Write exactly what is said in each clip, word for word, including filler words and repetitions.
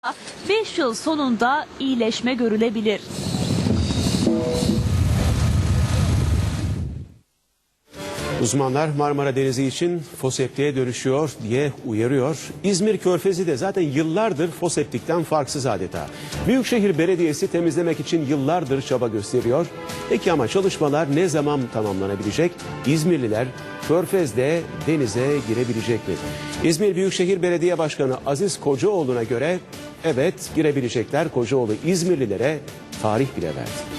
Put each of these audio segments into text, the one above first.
beş yıl sonunda iyileşme görülebilir. Uzmanlar Marmara Denizi için foseptiğe dönüşüyor diye uyarıyor. İzmir Körfezi de zaten yıllardır foseptikten farksız adeta. Büyükşehir Belediyesi temizlemek için yıllardır çaba gösteriyor. Peki ama çalışmalar ne zaman tamamlanabilecek? İzmirliler Körfez'de denize girebilecek mi? İzmir Büyükşehir Belediye Başkanı Aziz Kocaoğlu'na göre evet girebilecekler. Kocaoğlu İzmirlilere tarih bile verdi.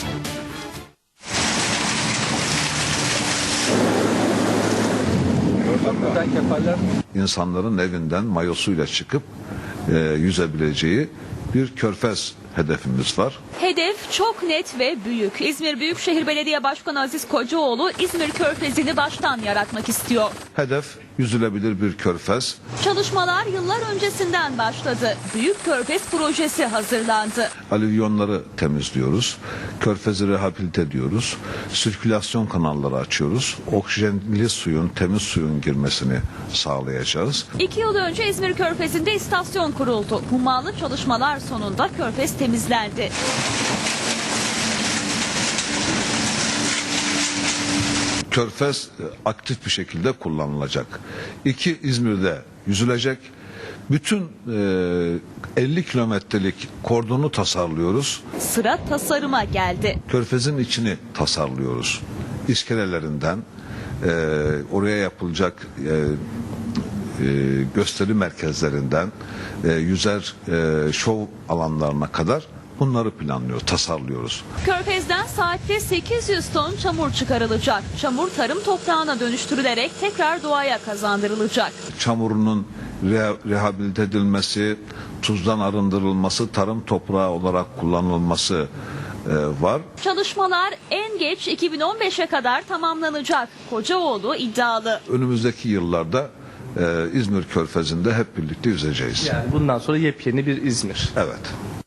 İnsanların evinden mayosuyla çıkıp e, yüzebileceği bir körfez hedefimiz var. Hedef çok net ve büyük. İzmir Büyükşehir Belediye Başkanı Aziz Kocaoğlu İzmir Körfezi'ni baştan yaratmak istiyor. Hedef yüzülebilir bir körfez. Çalışmalar yıllar öncesinden başladı. Büyük Körfez projesi hazırlandı. Alüvyonları temizliyoruz. Körfezi rehabilite ediyoruz. Sirkülasyon kanalları açıyoruz. Oksijenli suyun, temiz suyun girmesini sağlayacağız. İki yıl önce İzmir Körfezi'nde istasyon kuruldu. Hummalı çalışmalar sonunda Körfez temizlendi. Körfez aktif bir şekilde kullanılacak. İki, İzmir'de yüzülecek. Bütün e, elli kilometrelik kordonu tasarlıyoruz. Sıra tasarıma geldi. Körfez'in içini tasarlıyoruz. İskelelerinden e, oraya yapılacak e, e, gösteri merkezlerinden e, yüzer e, şov alanlarına kadar bunları planlıyor, tasarlıyoruz. Körfez'den saatte sekiz yüz ton çamur çıkarılacak. Çamur tarım toprağına dönüştürülerek tekrar doğaya kazandırılacak. Çamurunun re rehabilite edilmesi, tuzdan arındırılması, tarım toprağı olarak kullanılması e, var. Çalışmalar en geç iki bin on beşe kadar tamamlanacak. Kocaoğlu iddialı. Önümüzdeki yıllarda e, İzmir Körfezi'nde hep birlikte yüzeceğiz. Yani bundan sonra yepyeni bir İzmir. Evet.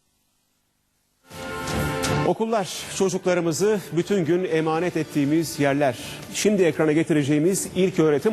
Okullar çocuklarımızı bütün gün emanet ettiğimiz yerler. Şimdi ekrana getireceğimiz ilköğretim